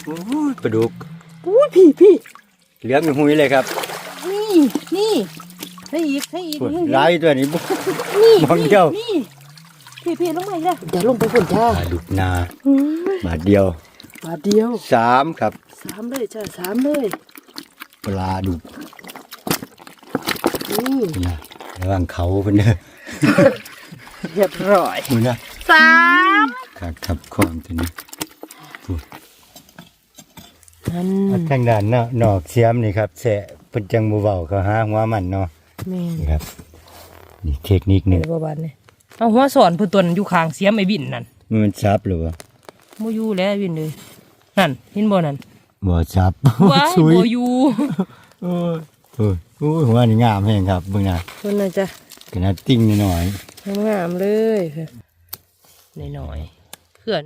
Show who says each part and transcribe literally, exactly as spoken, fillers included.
Speaker 1: โอ้ยปลาดุก
Speaker 2: อุ้ยพี่พี่
Speaker 1: เหลืองหุยเลยครับ
Speaker 2: นี่นี่ให้อีกให้อีก
Speaker 1: โอ้ย
Speaker 2: นี่
Speaker 1: หลายตัวนี้บ่
Speaker 2: นี่
Speaker 1: มองเดียว
Speaker 2: นี่พี่พี่ลงมาอีกแล้วเดี๋ยวลงไปฝุ่นจ้า
Speaker 1: ปลาดุกนา
Speaker 2: อืม
Speaker 1: บาทเดียว
Speaker 2: บาทเดียว
Speaker 1: สามครับ
Speaker 2: สามเลยจ้าสามเลย
Speaker 1: ปลาดุก
Speaker 2: นี่
Speaker 1: นี่นะระหว่างเขาเพิ่นเด้อ
Speaker 2: เรียบร้อย
Speaker 1: นี่นะ
Speaker 2: สาม
Speaker 1: ครับครับของตัวนี้
Speaker 2: นั่น
Speaker 1: อันทางด้านเนาะนอกเสียมนี่ครับแสะเพิ่นจังบ่เว้าเขาหาหัวมันเนาะ
Speaker 2: แม่น
Speaker 1: นี่ครับนี่เทคนิคหนึง
Speaker 2: ในบ่บานนี่เอาหัวสอนเพิ่นตัวนั้นอยู่ข้างเสียมไอ้บินนั่น
Speaker 1: มันซับหรือบ่
Speaker 2: บ่อยู่แล้วไอ้บินเลยนั่นเห็นบ่นั่น
Speaker 1: บ่ซับ
Speaker 2: ว้าย
Speaker 1: สุย
Speaker 2: บ่อยู่
Speaker 1: โอ้ยโอ้ยโอ้ยหัวนี่งามแฮงครับเบิ่งหน้า
Speaker 2: เพิ่นน่ะจ้ะ
Speaker 1: ขนาดติ้งนิดหน่อย
Speaker 2: งามๆเลยค่ะน้อยๆ